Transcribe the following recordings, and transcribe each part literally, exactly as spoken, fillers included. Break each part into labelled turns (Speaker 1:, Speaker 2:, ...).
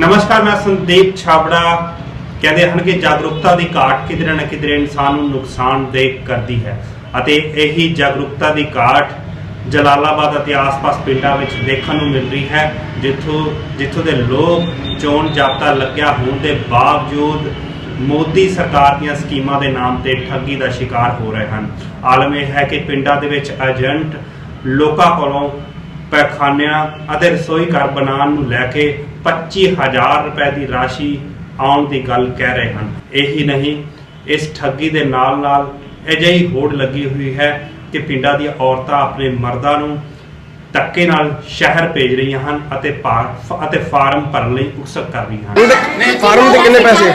Speaker 1: नमस्कार, मैं संदीप छाबड़ा। कहते हैं कि जागरूकता की घाट किधरे न किधरे इंसान को नुकसानदेह करती है। यही जागरूकता की घाट जलालाबाद और आस-पास पिंडों में देखने को मिल रही है, जिथों जिथों के लोग चोण जाब्ता लग्या होने के बावजूद मोदी सरकार दी स्कीमां के नाम पर ठगी का शिकार हो रहे हैं। आलम यह है कि पिंडों के एजेंट लोगों कोलों पैखानियां और रसोई घर बनाने लैके पच्ची हज़ार रुपए की राशि आने की गल कह रहे हैं। यही नहीं, इस ठगी के नाल नाल अजिही होड़ लगी हुई है कि पिंडों दी औरतां अपने मर्दां नूं धक्के नाल शहर भेज रही हैं अते अते फार्म भरन लई उकसक कर रही हैं।
Speaker 2: फार्म के कितने पैसे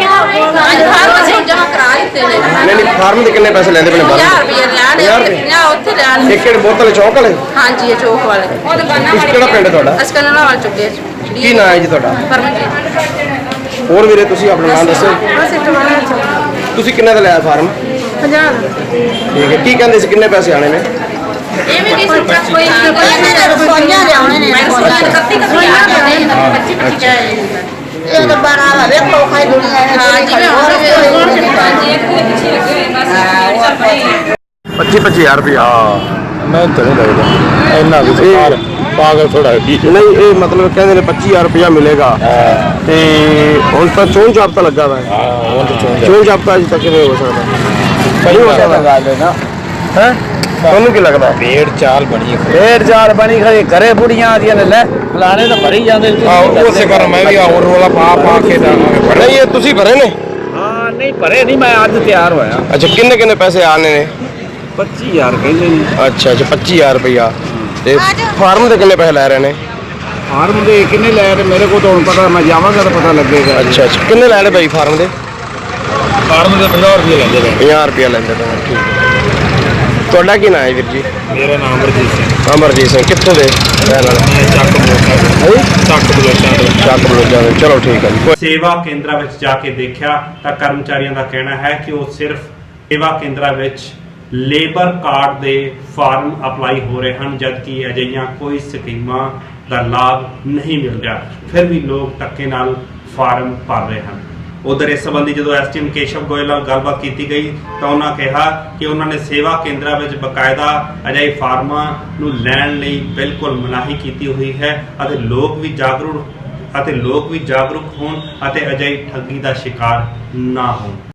Speaker 2: नहीं नहीं फार्म के कितने पैसे लेंदे पने एक एक बोतल चौक वाले?
Speaker 3: हां जी, चौक वाले।
Speaker 2: किस किहड़ा पिंड ਤੁਹਾਡਾ?
Speaker 3: अस्कनला वाल चुके
Speaker 2: ਕੀ ਨਾਮ ਹੈ ਜੀ ਤੁਹਾਡਾ?
Speaker 3: परमजीत।
Speaker 2: ਹੋਰ ਵੀਰੇ ਤੁਸੀਂ ਆਪਣਾ ਨਾਮ ਦੱਸੋ।
Speaker 3: बस एक वाला
Speaker 2: ਤੁਸੀਂ ਕਿੰਨੇ ਦਾ ਲਿਆ ਫਾਰਮ?
Speaker 3: हजार।
Speaker 2: ਠੀਕ ਹੈ, ਕੀ ਕਹਿੰਦੇ ਸੀ ਕਿੰਨੇ ਪੈਸੇ ਆਣੇ ਨੇ?
Speaker 3: ਇਹ ਵੀ ਕਿਸੇ ਦਾ ਕੋਈ ਕੋਈ ਰਸੋਈਆਂ ਲਿਆਉਣੇ ਨੇ, ਰਸੋਈਆਂ ਇਕੱਤੀ ਰਸੋਈਆਂ ਲਿਆਉਣੇ ਪੱਚੀ ਪੱਚੀ ਇਹ ਤਾਂ ਬਾਰਾ ਵੇਖੋ ਖਾਈ ਦੁਨੀਆ ਹੈ। ਹਾਂ ਜੀ, ਹੋਰ ਹਾਂਜੀ ਇੱਕ ਦੇ ਪਿੱਛੇ ਲੱਗੇ ਹੋਏ ਬਸ ਚੱਲ ਪਈ
Speaker 2: पच्ची पच्ची हज़ार रुपया।
Speaker 4: मैं तो नहीं लगता इन्ना भी सरकार पागल थोड़ा है।
Speaker 2: नहीं ये मतलब कहते हैं पच्ची हज़ार रुपया मिलेगा ते हुण तां चोण जाब्ता लगा हुआ है।
Speaker 4: हां वो तो चोन
Speaker 2: चोण जाब्ता अजे तक नहीं हो सकता,
Speaker 4: नहीं हो सकता गल है ना।
Speaker 2: हैं ਤੁਹਾਨੂੰ ਕੀ ਲੱਗਦਾ?
Speaker 4: भेड़ चाल बनी है,
Speaker 5: ਫੇਰ ਚਾਲ ਬਣੀ ਖੜੀ ਘਰੇ ਬੁੜੀਆਂ ਆਦੀਆਂ ਨੇ ਲੈ ਫਲਾਣੇ ਤਾਂ ਭਰੀ ਜਾਂਦੇ ਨੇ।
Speaker 4: हां उससे कर मैं भी और रोला पा पा के डालांगे।
Speaker 2: नहीं ये ਤੁਸੀਂ ਭਰੇ ਨੇ?
Speaker 5: ਹਾਂ ਨਹੀਂ ਭਰੇ ਨਹੀਂ, ਮੈਂ ਅੱਜ ਤਿਆਰ ਹੋਇਆ।
Speaker 2: ਅੱਛਾ ਕਿੰਨੇ ਕਿੰਨੇ ਪੈਸੇ ਆਣੇ ਨੇ?
Speaker 5: ਪੱਚੀ ਹਜ਼ਾਰ ਕਹਿੰਦੇ ਨੇ।
Speaker 2: ਅੱਛਾ ਅੱਛਾ पच्ची हज़ार रुपया ਤੇ ਫਾਰਮ ਦੇ ਕਿੰਨੇ ਪੈਸੇ ਲੈ ਰਹੇ ਨੇ?
Speaker 5: ਫਾਰਮ ਦੇ ਕਿੰਨੇ ਲੈ ਰਹੇ ਮੇਰੇ ਕੋਲ ਤਾਂ ਹੁਣ ਪਤਾ, ਮੈਂ ਜਾਵਾਂਗਾ ਤਾਂ ਪਤਾ ਲੱਗੇਗਾ।
Speaker 2: ਅੱਛਾ ਅੱਛਾ ਕਿੰਨੇ ਲੈ ਰਹੇ ਭਾਈ ਫਾਰਮ ਦੇ?
Speaker 4: फार्म ਦੇ पचास रुपए लेंदे ने।
Speaker 2: ਪੰਜਾਹ ਰੁਪਏ ਲੈਂਦੇ ਨੇ। ਠੀਕ ਹੈ, ਤੁਹਾਡਾ ਕੀ ਨਾਮ ਹੈ ਵੀਰ ਜੀ?
Speaker 4: मेरा नाम अमरजीत सिंह,
Speaker 2: ਅਮਰਜੀਤ ਸਿੰਘ। ਕਿੱਥੋਂ ਦੇ ਰਹਿਣ ਵਾਲੇ?
Speaker 4: मैं ਚੱਕ ਬਲੋਚਾਂ ਤੋਂ। ਚੱਕ ਬਲੋਚਾਂ ਤੋਂ।
Speaker 2: ਚੱਕ ਬਲੋਚਾਂ ਦੇ। ਚਲੋ ਠੀਕ ਹੈ ਜੀ।
Speaker 1: ਸੇਵਾ ਕੇਂਦਰਾਂ ਵਿੱਚ ਜਾ ਕੇ ਦੇਖਿਆ ਤਾਂ ਕਰਮਚਾਰੀਆਂ ਦਾ ਕਹਿਣਾ ਹੈ ਕਿ ਉਹ ਸਿਰਫ ਸੇਵਾ ਕੇਂਦਰਾਂ ਵਿੱਚ ਲੇਬਰ ਕਾਰਡ ਦੇ ਫਾਰਮ ਅਪਲਾਈ ਹੋ ਰਹੇ ਹਨ, ਜਦਕਿ ਅਜਿਹੀਆਂ ਕੋਈ ਸਕੀਮਾਂ ਦਾ ਲਾਭ ਨਹੀਂ ਮਿਲ ਰਿਹਾ। ਫਿਰ ਵੀ ਲੋਕ ਧੱਕੇ ਨਾਲ ਫਾਰਮ ਭਰ ਰਹੇ ਹਨ। ਉਧਰ ਇਸ ਸੰਬੰਧੀ ਜਦੋਂ ਐਸਟੀਐਮ ਕੇਸ਼ਵ ਗੋਇਲ ਨਾਲ ਗੱਲਬਾਤ ਕੀਤੀ ਗਈ ਤਾਂ ਉਹਨਾਂ ਕਿਹਾ ਕਿ ਉਹਨਾਂ ਨੇ ਸੇਵਾ ਕੇਂਦਰਾਂ ਵਿੱਚ ਬਕਾਇਦਾ ਅਜਿਹੇ ਫਾਰਮਾਂ ਨੂੰ ਲੈਣ ਲਈ ਬਿਲਕੁਲ ਮਨਾਹੀ ਕੀਤੀ ਹੋਈ ਹੈ ਅਤੇ ਲੋਕ ਵੀ ਜਾਗਰੂਕ ਅਤੇ ਲੋਕ ਵੀ ਜਾਗਰੂਕ ਹੋਣ ਅਤੇ ਅਜਿਹੀ ਠੱਗੀ ਦਾ ਸ਼ਿਕਾਰ ਨਾ ਹੋਣ।